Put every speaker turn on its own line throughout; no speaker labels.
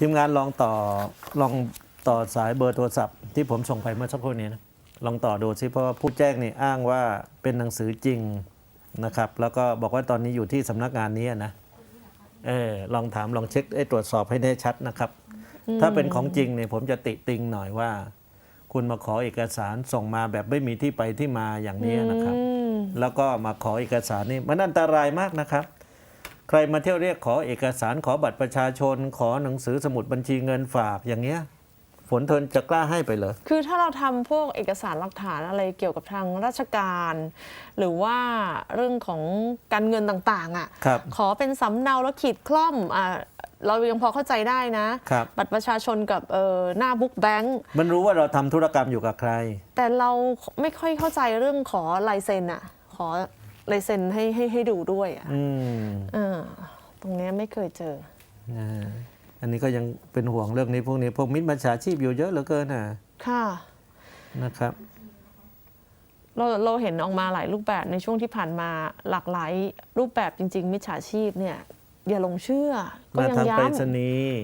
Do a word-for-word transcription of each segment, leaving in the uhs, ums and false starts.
ทีมงานลองต่อลองต่อสายเบอร์โทรศัพท์ที่ผมส่งไปเมื่อสักครู่นี้นะลองต่อดูซิเพราะว่าผู้แจ้งนี่อ้างว่าเป็นหนังสือจริงนะครับแล้วก็บอกว่าตอนนี้อยู่ที่สำนักงานนี้นะเออลองถามลองเช็คตรวจสอบให้แน่ชัดนะครับถ้าเป็นของจริงเนี่ยผมจะติติงหน่อยว่า คุณมาขอเอกสารส่งมาแบบไม่มีที่ไปที่มาอย่างนี้นะครับแล้วก็มาขอเอกสารนี่มันอันตรายมากนะครับใครมาเที่ยวเรียกขอเอกสารขอบัตรประชาชน ขอหนังสือสมุดบัญชีเงินฝากอย่างเงี้ยฝนเทินจะกล้าให้ไปเลย
คือถ้าเราทำพวกเอกสารหลักฐานอะไรเกี่ยวกับทางราชการ หรือว่าเรื่องของการเงินต่างๆอ่ะขอเป็นสำเนาแล้วขีดคล่อมอ่าเรายังพอเข้าใจได้นะบัตรประชาชนกับหน้าบุ๊กแบงค์
มันรู้ว่าเราทำธุรกรรมอยู่กับใคร
แต่เราไม่ค่อยเข้าใจเรื่องขอลายเซ็นอ่ะขอลายเซ็นให้ให้ให้ดูด้วยอ่ะอ่าตรงนี้ไม่เคยเจอ
อันนี้ก็ยังเป็นห่วงเรื่องนี้พวกนี้พวกมิจฉาชีพอยู่เยอะเหลือเกินน่ะ
ค่ะ
นะครับ
เราเราเห็นออกมาหลายรูปแบบในช่วงที่ผ่านมาหลากหลายรูปแบบจริงๆมิจฉาชีพเนี่ยอย่าลงเชื่อ
ก็ยังย้ำมาทางไปรษณีย์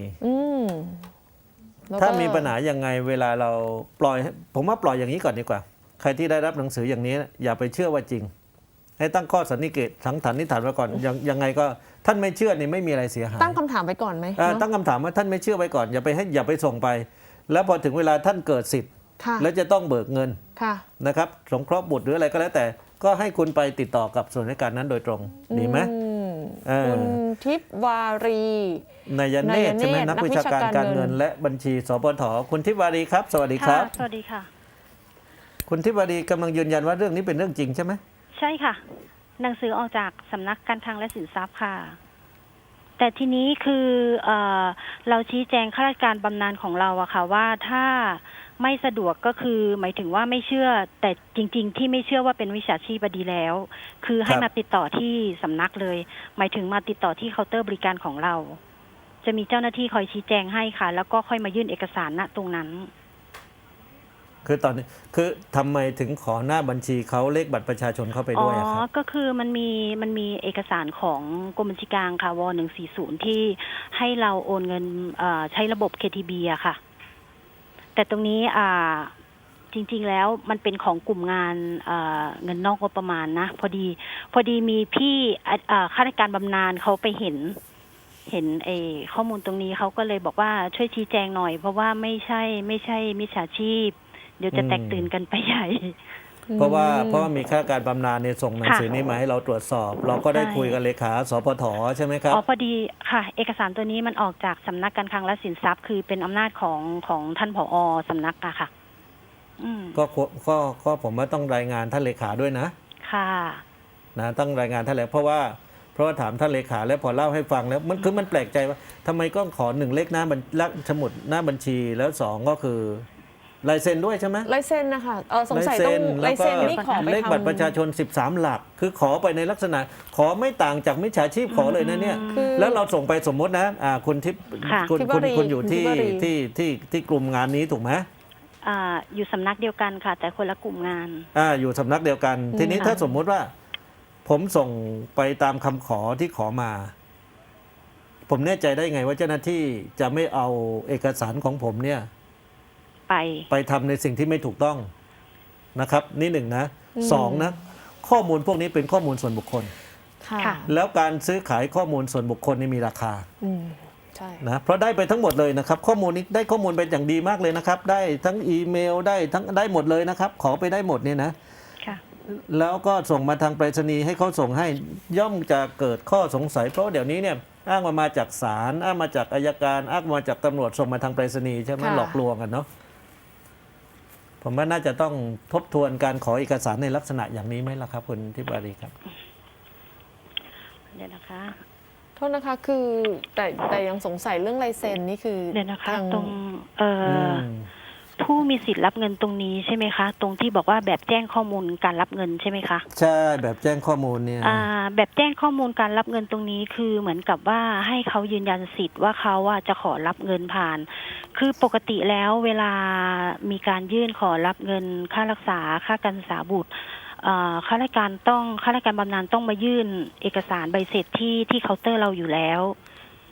ถ้ามีปัญหายังไงเวลาเราปล่อยผมว่าปล่อยอย่างนี้ก่อนดีกว่าใครที่ได้รับหนังสืออย่างนี้อย่าไปเชื่อว่าจริงให้ตั้งข้อสันนิษฐานสังฐานนิษฐานไว้ก่อนยังยังไงก็ท่านไม่เชื่อนี่ไม่มีอะไรเสียหาย
ตั้งคำถามไว้ก่อนไหม
ตั้งคำถามว่าท่านไม่เชื่อไว้ก่อนอย่าไปให้อย่าไปส่งไปแล้วพอถึงเวลาท่านเกิดสิทธิ์แล้วจะต้องเบิกเงินนะครับสงเคราะห์บุตรหรืออะไรก็แล้วแต่ก็ให้คุณไปติดต่อกับส่วนราชการนั้นโดยตรงดีไหม
คุณทิพวารี
นายเนตรใช่ไหมนักวิชาการการเงินและบัญชีสปทคุณทิพวารีครับสวัสดีครับ
สวัสดีค่ะ
คุณทิพวารีกำลังยืนยันว่าเรื่องนี้เป็นเรื่องจริงใช่ไหม
ใช่ค่ะหนังสือออกจากสำนักการคลังและสินทรัพย์ค่ะแต่ทีนี้คือเอ่อเราชี้แจงข้าราชการบำนาญของเราอะค่ะว่าถ้าไม่สะดวกก็คือหมายถึงว่าไม่เชื่อแต่จริงๆที่ไม่เชื่อว่าเป็นวิชาชีพดีแล้วคือให้มาติดต่อที่สำนักเลยหมายถึงมาติดต่อที่เคาน์เตอร์บริการของเราจะมีเจ้าหน้าที่คอยชี้แจงให้ค่ะแล้วก็ค่อยมายื่นเอกสารณตรงนั้น
คือตอนนี้คือทำไมถึงขอหน้าบัญชีเขาเลขบัตรประชาชนเข้าไปด้วยครับ
อ๋อก็คือมันมีมันมีเอกสารของกรมบัญชีกลางค่ะวหนึ่งสี่ศูนย์ที่ให้เราโอนเงินใช้ระบบ เค ที บี อะค่ะแต่ตรงนี้จริงๆแล้วมันเป็นของกลุ่มงานเงินนอกงบประมาณนะพอดีพอดีมีพี่ข้าราชการบำนาญเขาไปเห็นเห็นไอ้ข้อมูลตรงนี้เขาก็เลยบอกว่าช่วยชี้แจงหน่อยเพราะว่าไม่ใช่ไม่ใช่มิจฉาชีพเดี๋ยวจะแตกตื่นกันไปใหญ่
เพราะว่าเพราะว่ามีข้าราชการบำนาญเนี่ยส่งหนังสือนี้มาให้เราตรวจสอบเราก็ได้คุยกับเลขาสปทใช่ไหมครับ
อ๋อพอดีค่ะเอกสารตัวนี้มันออกจากสำนักการคลังและสินทรัพย์คือเป็นอำนาจของของท่านผอ.สำนักอะค่ะ
ก็ก็ก็ผมว่าต้องรายงานท่านเลขาด้วยนะ
ค่ะ
นะต้องรายงานท่านเลขาเพราะว่าเพราะว่าถามท่านเลขาแล้วพอเล่าให้ฟังแล้วมันคือมันแปลกใจว่าทำไมก็ขอหนึ่งเลขหน้าบัญสมุดหน้าบัญชีแล้วสองก็คือลายเซ็นด้วยใช่ไหม
ลายเซ็นนะคะเออสงสัยต้องลายเซ็นนี่ขอไปทำ
เลขบัตรประชาชนสิบสามหลักคือขอไปในลักษณะขอไม่ต่างจากมิจฉาชีพขอเลยนะเนี่ยแล้วเราส่งไปสมมตินะอ่าคุณทิพย์คุณคุณคุณอยู่ที่ที่ที่ที่กลุ่มงานนี้ถูกไหม
อ่าอยู่สำนักเดียวกันค่ะแต่คนละกลุ่มงาน
อ่าอยู่สำนักเดียวกันทีนี้ถ้าสมมุติว่าผมส่งไปตามคำขอที่ขอมา ผมแน่ใจได้ไงว่าเจ้าหน้าที่จะไม่เอาเอกสารของผมเนี่ย
ไป
ไปทำในสิ่งที่ไม่ถูกต้องนะครับนี่หนึ่งนะสองนะข้อมูลพวกนี้เป็นข้อมูลส่วนบุคคลแล้วการซื้อขายข้อมูลส่วนบุคคลนี่มีราคานะเพราะได้ไปทั้งหมดเลยนะครับข้อมูลนี้ได้ข้อมูลเป็นอย่างดีมากเลยนะครับได้ทั้งอีเมลได้ทั้งได้หมดเลยนะครับขอไปได้หมดเนี่ยนะแล้วก็ส่งมาทางไปรษณีย์ให้เขาส่งให้ย่อมจะเกิดข้อสงสัยเพราะเดี๋ยวนี้เนี่ยอ้างมามาจากศาลอ้างมาจากอัยการอ้างมาจากตำรวจส่งมาทางไปรษณีย์ใช่ไหมหลอกลวงกันเนาะผมว่าน่าจะต้องทบทวนการขอเอกสารในลักษณะอย่างนี้ไหมล่ะครับคุณทิพวารีครับ
เดี๋ยวนะคะ
โทษนะคะคือแต่แต่ยังสงสัยเรื่องลายเซ็นนี่คือ
เดี๋ยวนะคะตรงเอ่อผู้มีสิทธิ์รับเงินตรงนี้ใช่ไหมคะตรงที่บอกว่าแบบแจ้งข้อมูลการรับเงินใช่ไหมคะ
ใช่แบบแจ้งข้อมูลเนี่ย
แบบแจ้งข้อมูลการรับเงินตรงนี้คือเหมือนกับว่าให้เขายืนยันสิทธิ์ว่าเขาจะขอรับเงินผ่านคือปกติแล้วเวลามีการยื่นขอรับเงินค่ารักษาค่าการศึกษาบุตรข้าราชการต้องข้าราชการบำนาญต้องมายื่นเอกสารใบเสร็จที่ที่เคาน์เตอร์เราอยู่แล้ว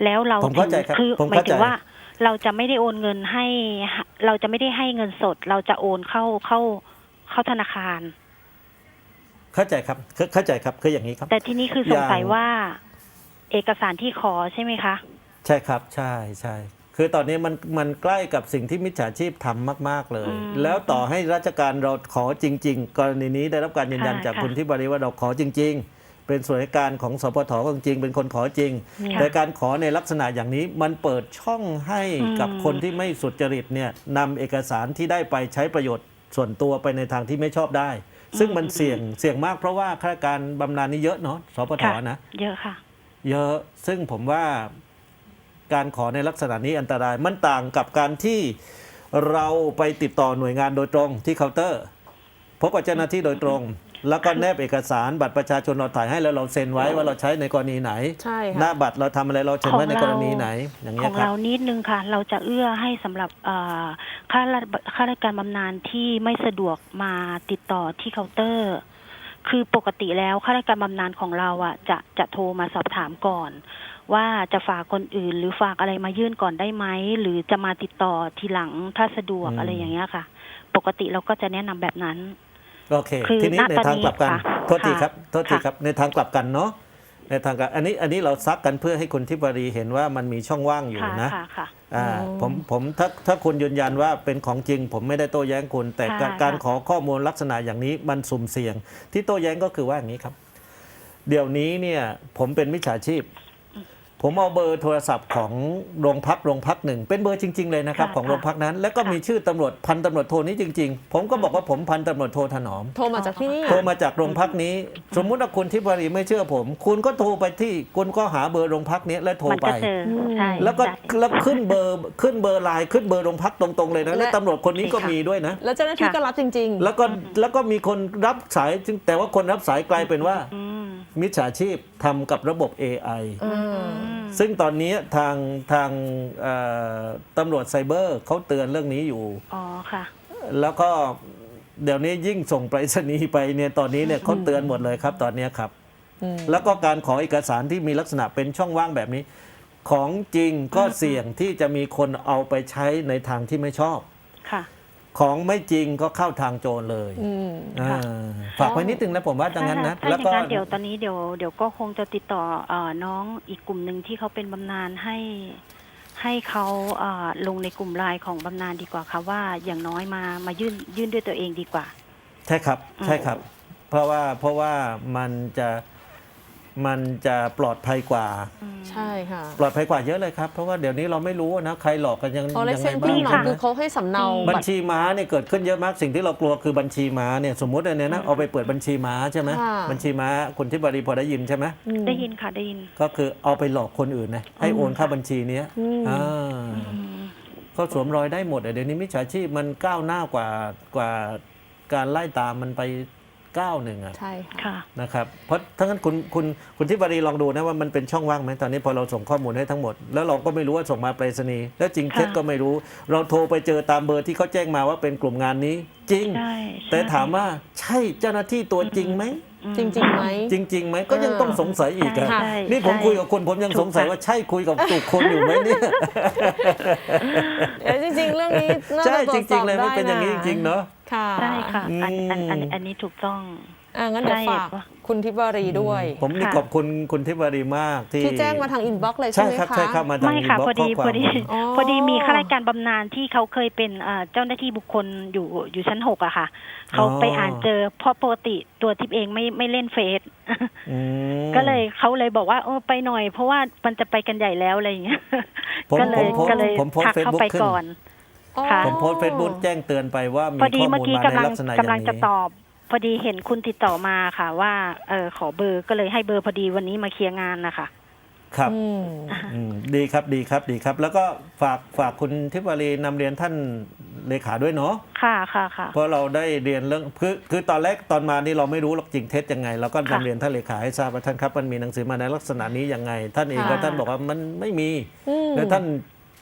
แล้วเรา
ผมเข้าใจครับ
คือ
ผม
หมาย
เข้า
ถึ
ใจ
งว่าเราจะไม่ได้โอนเงินให้ เราจะไม่ได้ให้เงินสด เราจะโอนเข้าเข้าเข้าธนาคาร
เข้าใจครับเข้าเข้าใจครับคืออย่างนี้ครับ
แต่ที่นี่คือสงสัย
อย่าง
ว่า เอกสารที่ขอใช่ไหมคะ
ใช่ครับใช่ใช่คือตอนนี้มันมันใกล้กับสิ่งที่มิจฉาชีพทำมาก ๆเลย
อืม
แล้วต่อให้ราชการเราขอจริง ๆ กรณีนี้ได้รับการยืนยัน
ค่ะ
จาก
ค่ะ
คุณทิพย์บริว่าเราขอจริง ๆ เป็นส่วนราชการของสปทจริงๆเป็นคนขอจริง
ค่ะ
แต่การขอในลักษณะอย่างนี้มันเปิดช่องให้กับ
อืม
คนที่ไม่สุจริตเนี่ยนำเอกสารที่ได้ไปใช้ประโยชน์ส่วนตัวไปในทางที่ไม่ชอบได้ ซึ่งมันเสี่ยงเสี่ยงมากเพราะว่าข้าราชการบำนาญนี่เยอะเนาะสปท
ค่ะ
นะ
เยอะค่ะ
เยอะซึ่งผมว่าการขอในลักษณะนี้อันตรายมันต่างกับการที่เราไปติดต่อหน่วยงานโดยตรงที่เคาน์เตอร์ พบกับเจ้าหน้าที่โดยตรง แล้วก็แนบเอกสารบัตรประชาชนเราถ่ายให้แล้วเราเซ็นไว้ว่าเราใช้ในกรณีไหน
ใช่
หน้า
ค่ะ
บัตรเราทำอะไรเราเซ็นไว้ในกรณีไหน อย่าง
ข
เงี้
อย ง
ครับ
เรานิดนึงค่ะ เราจะเอื้อให้สำหรับเอ่อข้าราชข้าราชการบำนาญที่ไม่สะดวกมาติดต่อที่เคาน์เตอร์ คือปกติแล้วข้าราชการบำนาญของเราอ่ะจะจะโทรมาสอบถามก่อน ว่าจะฝากคนอื่น หรือฝากอะไรมายื่นก่อนได้ไหมหรือจะมาติดต่อทีหลังถ้าสะดวก
อืม
อะไรอย่างเงี้ยค่ะ ปกติเราก็จะแนะนำแบบนั้น
โอเค
คือ
ทีนี้
ณ
ใน
ตอน
ทาง
นี้
กลับกัน
ค่ะ
โทษทีครับโทษที
ค่ะ
ครับในทางกลับกันเนาะในทางกลับอันนี้อันนี้เราซักกันเพื่อให้คุณทิพวรีเห็นว่ามันมีช่องว่างอยู่
ค่ะ
นะ
ค่ะค่ะ
อ่า
อืม
ผมผมถ้าถ้าคุณยืนยันว่าเป็นของจริง ผมไม่ได้โต้แย้งคุณ แต่
ค่ะ
การการ
ค่ะ
ขอข้อมูลลักษณะอย่างนี้มันสุ่มเสี่ยง ที่โต้แย้งก็คือว่าอย่างนี้ครับ เดี๋ยวนี้เนี่ยผมเป็นมิจฉาชีพ ผมเอาเบอร์โทรศัพท์ของโรงพักโรงพักหนึ่งเป็นเบอร์จริง ๆ เลยนะครับ
ค่ะ
ของโรงพักนั้น แล้วก็
ค่ะ
มีชื่อตำรวจพันตำรวจโทนี้จริง ๆ ผมก็บอกว่าผมพันตำรวจโทถนอม
โทรมาจากที่นี่
โทรมาจากโรงพักนี้ สมมุติว่าคุณทิพวรีไม่เชื่อผม คุณก็โทรไปที่คุณก็หาเบอร์โรงพักนี้แล้วโทร
มัน
ไป
ก็เจอใช่
แล้วก็
ใช่
แล้วขึ้นเบอร์ขึ้นเบอร์ไลน์ขึ้นเบอร์โรงพักตรงๆเลยนะแล้ว
และ
ตำรวจคนนี้ก็
ค่ะ
มีด้วยนะ
แล้วเจ้าหน้าที่
ค่ะ
ก็รับจริง
แล้วก็แล้วก็มีคนรับสายจึงแต่ว่าคนรับสายกลายเป็นว่า
อืม
มิจฉาชีพทำกับระบบ เอ ไอ
ๆอืม
ซึ่งตอนนี้ทางทางเอ่อตำรวจไซเบอร์เขาเตือนเรื่องนี้อยู่
อ๋อค่ะ
แล้วก็เดี๋ยวนี้ยิ่งส่งไปรษณีย์ไปเนี่ยตอนนี้เนี่ยเขาเตือนหมดเลยครับตอนนี้ครับ
อืม
แล้วก็การขอเอกสารที่มีลักษณะเป็นช่องว่างแบบนี้ ของจริงก็เสี่ยงที่จะมีคนเอาไปใช้ในทางที่ไม่ชอบ
ค่ะ
ของไม่จริงก็เข้าทางโจรเลย
อืม
อ่า
ค่ะ
ฝากไว้นิดนึงนะผมว่าดังนั้นนะ
ถ้า
แล้ว
อ
ก็
ย่างนั้นเดี๋ยวตอนนี้เดี๋ยวเดี๋ยวก็คงจะติดต่อเอ่อน้องอีกกลุ่มหนึ่งที่เขาเป็นบำนาญให้ให้เขาเอ่อลงในกลุ่มไลน์ของบำนาญดีกว่าค่ะว่าอย่างน้อยมามายื่นยื่นด้วยตัวเองดีกว่า
ใช่ครับใช่ครับ เพราะว่าเพราะว่ามันจะมันจะปลอดภัยกว่า
ใช่ค่ะ
ปลอดภัยกว่าเยอะเลยครับ เพราะว่าเดี๋ยวนี้เราไม่รู้นะใครหลอกกันยัง
พอเล
ยั
ข
งไง
เส้น
บ้า
ขึ้
ง
นมา
ค่ะ
คือเขาให้สำเนา
บัญ
บัตร
ชีม้าเนี่ยเกิดขึ้นเยอะมากสิ่งที่เรากลัวคือบัญชีม้าเนี่ยสมมติอันเนี้ยนะเอาไปเปิดบัญชีม้าใช่ไหม
ค่ะ
บัญชีม้าคุณทิพวรีพอได้ยินใช่ไหม
อืม
ได้ยินค่ะได้ยิน
ก็คือเอาไปหลอกคนอื่นนะให้โอนเข้าบัญชีเนี้ย
อืม
อ่า
อืม
เขาสวมรอยได้หมดอะเดี๋ยวนี้มิจฉาชีพมันก้าวหน้ากว่ากว่าการไล่ตามมันไปก้าวหนึ่งอะ
ใช่ค่ะ
ค่ะ
นะครับเพราะทั้งนั้นคุณคุณคุณทิพวรีลองดูนะว่ามันเป็นช่องว่างไหมตอนนี้พอเราส่งข้อมูลให้ทั้งหมด แล้วเราก็ไม่รู้ว่าส่งมาไปรษณีย์แล้วจริงเท็จ
ค่ะ
ก็ไม่รู้ เราโทรไปเจอตามเบอร์ที่เขาแจ้งมาว่าเป็นกลุ่มงานนี้ จริง
ใช่
แต่
ใช่
ถามว่าใช่เจ้าหน้าที่ตัวจริงไหม
อืม
จริงๆไหม
จริงๆไหมก็ยังต้องสงสัยอีกอะ
ใช่ใช่
นี่ผม
ใช่
คุยกับคุณผมยัง
ถูก
สงสัย
ค่ะ
ว่าใช่คุยกับถูกคนอยู่ไหมเนี่ย
เอ้ยจริงๆ เรื่องนี้น่า
ใช่
จะตร
จ
วจส
ริ
อง บ
ๆเลย
ได้
มันเป็นอย่างนี้จ
ะ
ริงๆเนาะ
ค่ะ
ใช่ค่ะอันอันอัน
อืม
อันนี้ถูกต้อง
อ่างั้นเดี๋ยว
ใช่
ฝากคุณทิพวรีด้วย
ผมนี่
ค่ะ
ขอบคุณคุณทิพวรีมากที่
ที่แจ้งมาทางอินบ็อกซ์เลยใช่
ใช่
ไหม
ครับ
คะ
ใช่ครับมาทาง
ไม่ค่ะ
inbox
พอดี
ข้
พอดี
ความ
อ๋อ
พอดีมีข้าราชการบำนาญที่เขาเคยเป็นเอ่อเจ้าหน้าที่บุคคลอยู่อยู่ชั้นหกอะค่ะเขาไปอ่านเจอเพราะปกติตัวทิพย์เองไม่ไม่เล่นเฟซ
อืม
ก็เลยเขาเลยบอกว่าเออไปหน่อย เพราะว่ามันจะไปกันใหญ่แล้วอะไรอย่างเงี้ย
ผม
ก็เล
ผม
ย
โพส
ก็เลย
ผมโพส
ทัก
เฟซ
เข้า
บุ๊ก
ไป
ขึ้น
ก่อน
อ๋อ
ค่ะ
ผมโพสเฟซบุ๊กแจ้งเตือนไปว่ามี
พอดี
ข้อ
เมื่อ
มูล
กี้
มา
กำ
ใน
ลัง
ลักษณะอก
ำลั
ย่าง ง
จะ
นี้
ตอบ พอดีเห็นคุณติดต่อมาค่ะ ว่าเออขอเบอร์ก็เลยให้เบอร์พอดีวันนี้มาเคลียร์งานนะคะ
ครับ
อืม
อืมดีครับดีครับดีครับ แล้วก็ฝากฝากคุณทิพวรีนำเรียนท่านเลขาด้วยเนาะ
ค่ะค่ะค่ะ
เพราะเราได้เรียนเรื่องคือคือตอนแรกตอนมานี่เราไม่รู้หรอกจริงเท็จยังไงเราก็นำ
ค่ะ
เรียนท่านเลขาให้ทราบว่าท่านครับมันมีหนังสือมาในลักษณะนี้ยังไง ท่านเอง
ค่ะ
ก็ท่านบอกว่ามันไม่มี
อืม
แล้วท่าน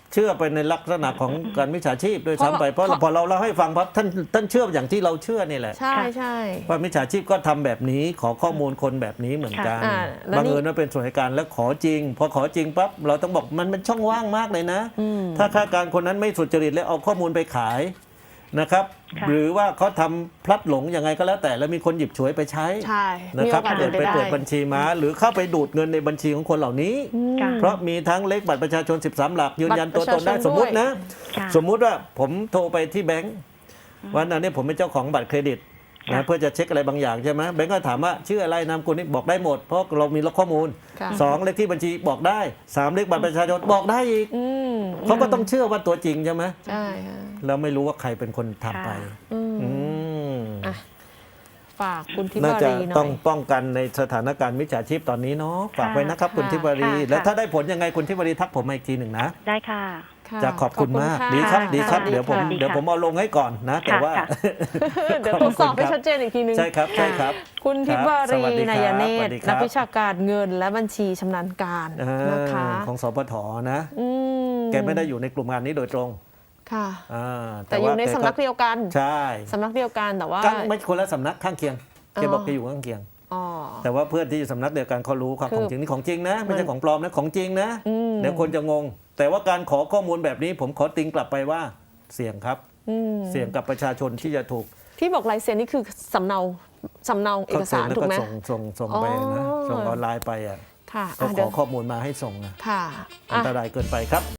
เชื่อไปในลักษณะของการมิจฉาชีพด้วยซ้ำไปเพ
เพ
ราะ
ราะ
พอเราเล่าให้ฟังปั๊บท่านท่านเชื่ออย่างที่เราเชื่อนี่แหละ
ใช่ใช่
ว่ามิจฉาชีพก็ทำแบบนี้ขอข้อมูลคนแบบนี้เหมือนกัน
อ่าแล้ว
บัง
นี่
เอิญว่าเป็นส่วนราชการแล้วขอจริงพอขอจริงปั๊บเราต้องบอกมันเป็นช่องว่างมากเลยนะ
อืม
ถ้าข้าราชการคนนั้นไม่สุจริตแล้วเอาข้อมูลไปขายนะครับ
ค่ะ
หรือว่าเขาทำพลัดหลงยังไงก็แล้วแต่แล้วมีคนหยิบฉวยไปใช้
ใช่
นะ
มี
ค
โอ
รับ
กาส
เกิ
เป็
ด
นไป
ไป
ได้
เปิดบัญชีม้าหรือเข้าไปดูดเงินในบัญชีของคนเหล่านี้
ค่ะ
เพราะมีทั้งเลขบัตรประชาชนสิบสามหลักยืนยันตัวตนได้
บัตรประชาชน
สมมุตินะ
ค่ะ
สมมุติว่าผมโทรไปที่แบงก์วันนั้นเนี่ยผมเป็นเจ้าของบัตรเครดิต
ค่ะ
นะเพื่อจะเช็คอะไรบางอย่างใช่ไหมแบงก์ก็ถามว่าชื่ออะไรนามสกุลนี่บอกได้หมด เพราะเรามีล็อกข้อมูล
ค่ะ
สองเลขที่บัญชีบอกได้สามเลขบัตรประชาชนบอกได้อีก
อืม
เขาก็ต้องเชื่อว่าตัวจริงใช่ไหม
ใช่ค่ะ
แล้วไม่รู้ว่าใครเป็นคนทำไป
อืม
อืม
อ่ะฝากคุณทิ
น่าว
า
จะ
รีหน่
ต้
อ
อง
ย
ป้องกันในสถานการณ์มิจฉาชีพตอนนี้เนาะฝากไว้นะครับ
ค่ะ
คุณทิวารี
ค่ะ
แล้วถ้าได้ผลยังไงคุณทิวารีทักผมมาอีกทีหนึ่งนะ
ได้ค่ะ
ค่ะ
จะขอบคุณมาก
ะ
ดีครับ
ะ
ดีครับ
ะ
เดี๋ยวผม
สวัสดีค่ะ
เดี๋ยวผมเอาลงให้ก่อนนะ แต่ว่า
ค่ะ
เดี๋ยวตรวจสอบให้ชัดเจนอีกทีนึง
ใช่ครับใช่ครับ
คุณทิพวา
ส
รี
วัสดีครับ
นายเน
สวั
ต
ส
ร
ดีครับ
นักวิชาการเงินและบัญชีชำนาญการ
อ่า
นะคะ
ของสปทนะ
อืม
แกไม่ได้อยู่ในกลุ่มงานนี้โดยตรง
ค่ะ
อ่า
แต่อยู่ใน
ว่าแ
สำนักเดียวกัน
ใช่
สำนักเดียวกันแต่ว่า
ก็ไม่คนละสำนักข้างเคียงแกบอก
อ๋อ
แกอยู่ข้างเคียง
อ๋อ
แต่ว่าเพื่อนที่อยู่สำนักเดียวกันเขารู้ความ
คือ
ของจริงนี่ของจริงนะ ไม่
มั
ใช่
น
ของปลอมนะของจริงนะ
อืม
เดี๋ยวคนจะงง แต่ว่าการขอข้อมูลแบบนี้ผมขอติงกลับไปว่าเสี่ยงครับ
อืม
เสี่ยงกับประชาชนที่จะถูก
ที่บอกลายเซ็นนี่คือสำเนาสำเนาเอกสาร
แล้ว
ถูก
ก็
ไหม
ส่งส่งส่งไปนะ
อ๋อ
ส่งออนไลน์ไปอ่ะ
ค่ะ
เขา
อ่ะ
ข
เดี๋
อ
ยว
ข้อมูลมาให้ส่งนะ
ค่ะ
อัน
อ่ะ
ตรายเกินไปครับ